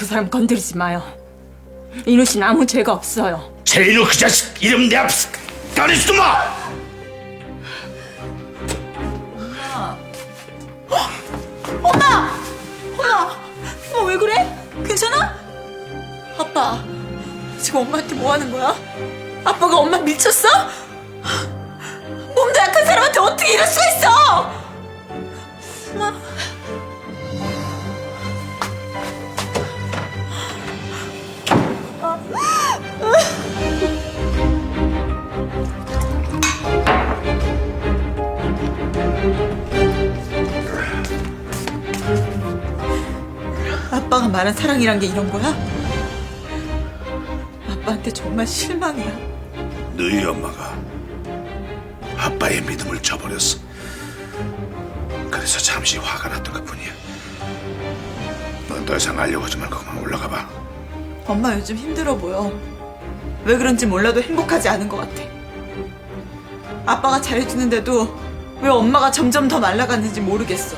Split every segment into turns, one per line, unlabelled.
그 사람 건드리지 마요. 인우 씨는 아무 죄가 없어요.
제인우 그 자식 이름 내 앞에서 꺼내지도 마!
엄마! 엄마 왜 그래? 괜찮아? 아빠 지금 엄마한테 뭐 하는 거야? 아빠가 엄마 미쳤어? 몸도 약한 사람한테 어떻게 이럴 수가 있어? 엄마. 아빠가 말한 사랑이란 게 이런 거야? 아빠한테 정말 실망이야.
너희 엄마가 아빠의 믿음을 저버렸어. 그래서 잠시 화가 났던 것뿐이야. 넌 더 이상 알려고 하지 말고 그만 올라가 봐.
엄마 요즘 힘들어 보여. 왜 그런지 몰라도 행복하지 않은 것 같아. 아빠가 잘해주는데도 왜 엄마가 점점 더 말라가는지 모르겠어.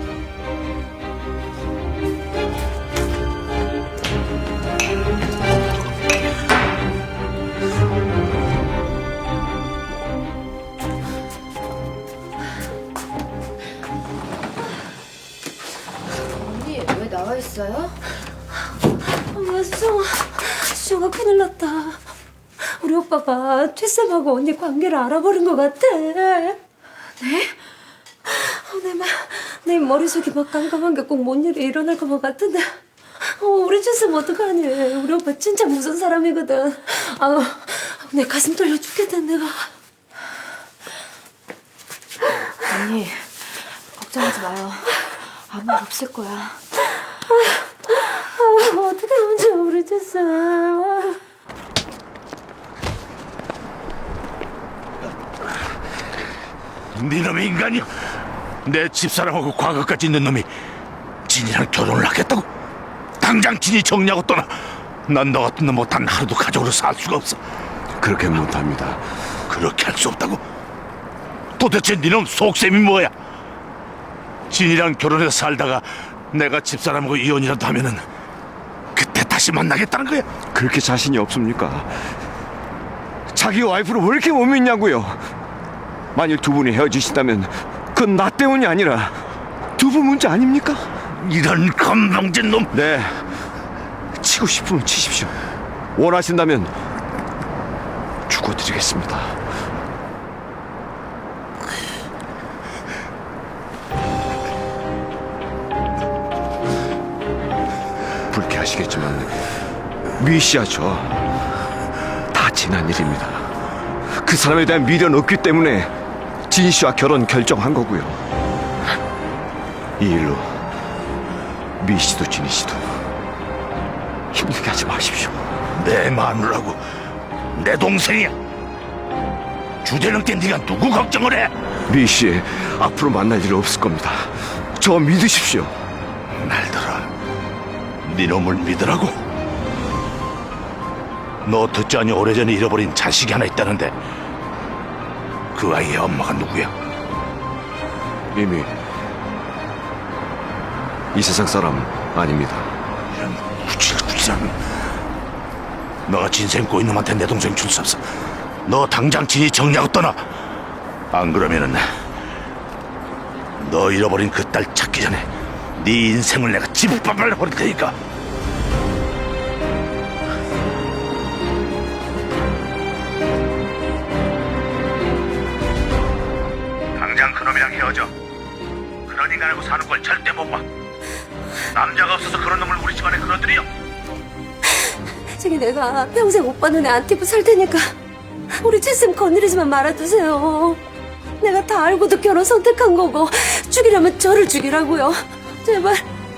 언니 왜 나와 있어요?
엄마, 수정아 큰일 났다. 우리 오빠가 최쌤하고 언니 관계를 알아버린 것 같아. 네? 내 머릿속이 막 깜깜한 게 꼭 뭔 일이 일어날 것 같은데. 우리 최쌤 어떡하니? 우리 오빠 진짜 무서운 사람이거든. 내 가슴 떨려 죽겠다 내가.
언니 걱정하지 마요. 아무 일 없을 거야.
어떻게 하면 좋아 우리 최쌤.
네놈의 인간이여! 내 집사람하고 과거까지 있는 놈이 진이랑 결혼을 하겠다고? 당장 진이 정리하고 떠나. 난 너 같은 놈 단 하루도 가족으로 살 수가 없어.
그렇게 못합니다.
그렇게 할 수 없다고? 도대체 네놈 속셈이 뭐야? 진이랑 결혼해서 살다가 내가 집사람하고 이혼이라도 하면은 그때 다시 만나겠다는 거야?
그렇게 자신이 없습니까? 자기 와이프를 왜 이렇게 못 믿냐고요? 만일 두 분이 헤어지신다면 그건 나 때문이 아니라 두 분 문제 아닙니까?
이런 건방진 놈!
네, 치고 싶으면 치십시오. 원하신다면 죽어드리겠습니다. 불쾌하시겠지만 미씨야 저 다 지난 일입니다. 그 사람에 대한 미련 없기 때문에 진 씨와 결혼 결정한 거고요. 이 일로 미 씨도 진희 씨도 힘들게 하지 마십시오.
내 마누라고 내 동생이야. 주제넘 게 네가 누구 걱정을 해?
미 씨 앞으로 만날 일 없을 겁니다. 저 믿으십시오.
날들아, 네 놈을 믿으라고? 너 듣지 않니 오래전에 잃어버린 자식이 하나 있다는데 그 아이의 엄마가 누구야?
이미 이 세상 사람 아닙니다.
이런 구질구질한. 너가 진생 꼬인 놈한테 내 동생 줄 수 없어. 너 당장 진이 정리하고 떠나. 안 그러면은 너 잃어버린 그 딸 찾기 전에 네 인생을 내가 짓밟아 버릴 테니까. 당장 그놈이랑 헤어져. 그런 인간하고 사는 걸 절대 못 봐. 남자가 없어서 그런 놈을 우리 집안에 끌어들여.
저기 내가 평생 오빠 눈에 안 띄고 살 테니까 우리 최쌤 건드리지만 말아주세요. 내가 다 알고도 결혼 선택한 거고 죽이려면 저를 죽이라고요. 제발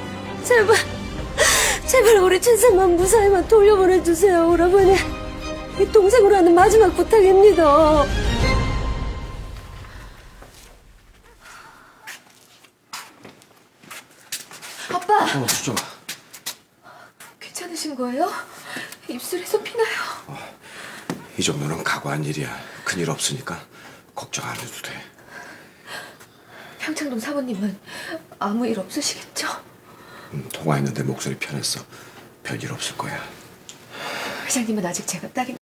우리 최쌤만 무사히만 돌려보내주세요. 오라버니 이 동생으로 하는 마지막 부탁입니다.
아빠
수정아.
괜찮으신 거예요? 입술에서 피나요.
이 정도는 각오한 일이야. 큰일 없으니까 걱정 안 해도 돼.
평창동 사모님은 아무 일 없으시겠죠?
통화했는데 목소리 편했어.
별일 없을 거야.
회장님은 아직 제가 딸이